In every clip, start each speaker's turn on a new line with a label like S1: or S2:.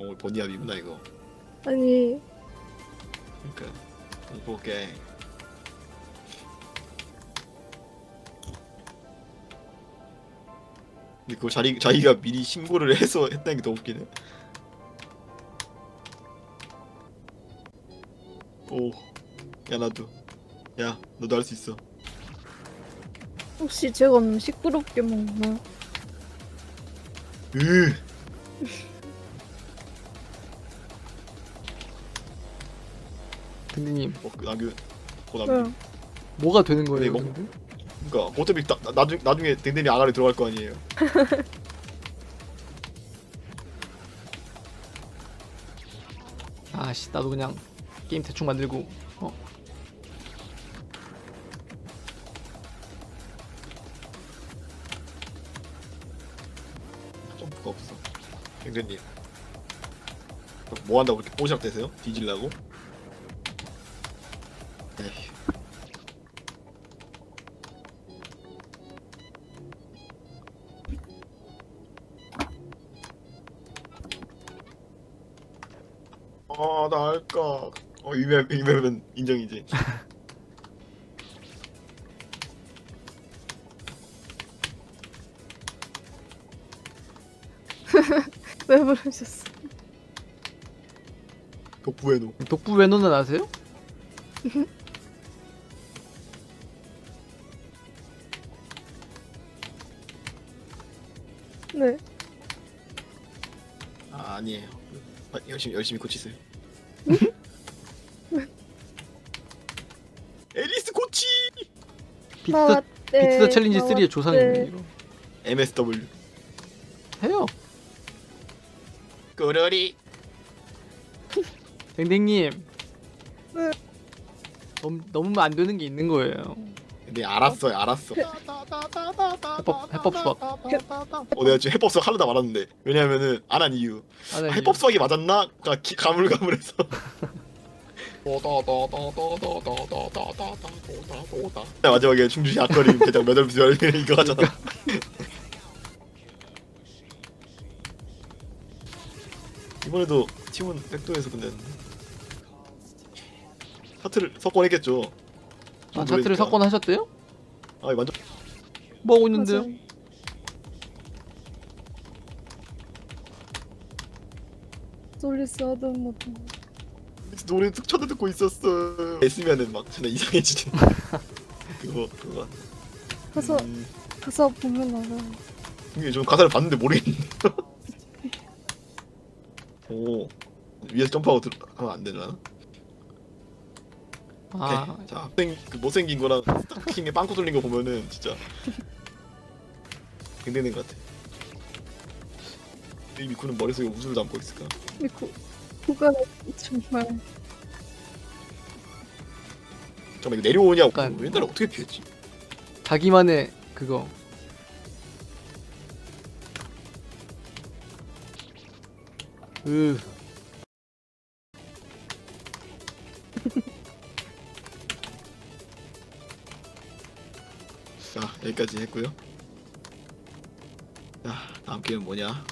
S1: 버니압이구나 이거.
S2: 아니
S1: 그러니까 공포게. 근데 그거 자기가 미리 신고를 해서 했다는 게 더 웃기네. 오, 야 나도. 야 너도 할 수 있어.
S2: 혹시 제가 너무 시끄럽게 먹나?
S1: 으.
S3: 댕댕님
S1: 남규 고
S2: 응.
S1: 남규.
S3: 뭐가 되는 거예요?
S1: 근데
S3: 근데?
S1: 그러니까 어차피 나중에 댕댕이 아가리 들어갈 거 아니에요.
S3: 아씨 나도 그냥 게임 대충 만들고
S1: 점프가 없어. 댕댕님. 뭐 한다고 그렇게 뽀샵되세요? 뒤질라고? 에이. 나 할까. 이맵은 인정이지.
S2: 왜 부르셨어?
S1: 독부에노.
S3: 독부 외노는 아세요?
S2: 네.
S1: 아니에요. 열심히 고치세요. 애리스 고치.
S3: 비트더 비트더 챌린지 3의 조상이네 이거.
S1: MSW.
S3: 해요.
S1: 꾸러리.
S3: 댕댕님.
S2: 네.
S3: 너무 안 되는 게 있는 거예요.
S1: 근데 알았어.
S3: 해법 수학.
S1: 내가 지금 해법 수학 하려다 말았는데. 왜냐면은 안 한 이유.
S3: 아니,
S1: 해법 수학이 맞았나? 가물가물해서. 마지막에 충주시 앞거리 대장 몇월 이거 하잖아. 이번에도 팀은 백도에서 끝냈는데 차트를 석권했겠죠.
S3: 아, 차트를 석권하셨대요?
S1: 아 완전
S3: 뭐 하고 있는데요?
S2: 맞아요. 솔리스 하던 것도
S1: 노래 툭 쳐도 듣고 있었어. 했으면은 막 진짜 이상해지지. 그거.
S2: 가사 가사 보면 알아요.
S1: 이게 좀 가사를 봤는데 모르겠는데. 오 위에서 점프하고 하면 안 되나?
S3: 아,
S1: 오케이. 자, 그 못생긴 거랑 스타킹에 빵꾸 뚫린 거 보면은 진짜 굉장히 것 같아. 이 미쿠는 머릿속에 웃음을 담고 있을까?
S2: 그가 정말
S1: 잠깐만 이거 내려오냐고.
S3: 약간-
S1: 옛날에 어떻게 피했지?
S3: 자기만의 그거. 으,
S1: 자 여기까지 했고요. 자 다음 게임은 뭐냐?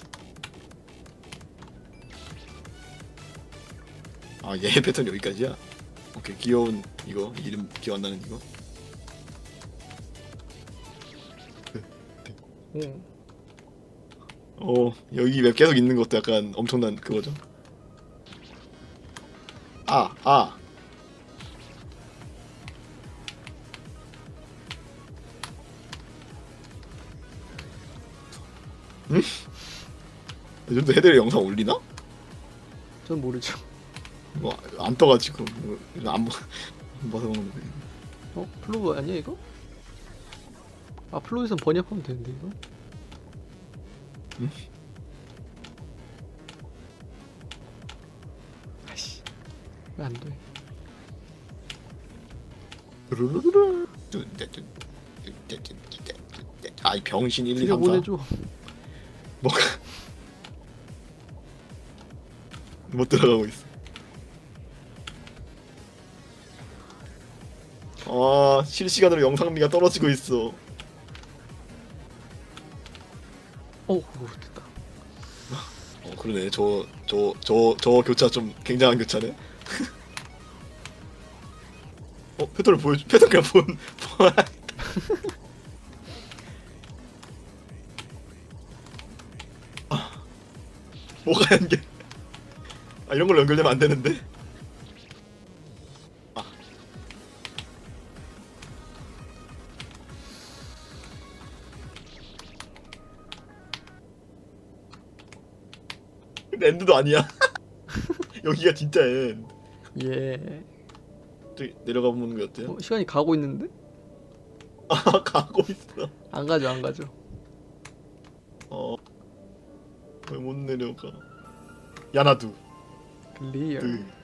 S1: 얘 패턴 여기까지야? 오케이 귀여운 이거 이름 기억 안 나는 이거.
S3: 오.
S1: 여기 맵 계속 있는 것도 약간 엄청난 그거죠. 응? 이 정도 헤드를 영상 올리나?
S3: 전 모르죠.
S1: 뭐 안 떠가지고 안 봐서 그런 거.
S3: 플로우 아니야 이거? 아, 플로우에선 번역하면 되는데 이거?
S1: 응?
S3: 아이씨, 왜 안 돼?
S1: 아이 병신 1, 2,
S3: 드려
S1: 3, 4
S3: 보내줘.
S1: 뭐가 못 들어가고 있어. 실시간으로 영상미가 떨어지고 있어.
S3: 오, 됐다.
S1: 그러네. 저 교차 좀 굉장한 교차네. 패턴을 보여줘. 패턴 그냥 본. 뭐가 연결? 이런 걸로 연결되면 안 되는데. 근데 엔드도 아니야. 여기가 진짜 엔드.
S3: 예.
S1: 저기 내려가 보는 게 어때요?
S3: 시간이 가고 있는데?
S1: 가고 있어.
S3: 안 가죠, 안 가죠.
S1: 왜 못 내려가? 야나두.
S3: 클리어.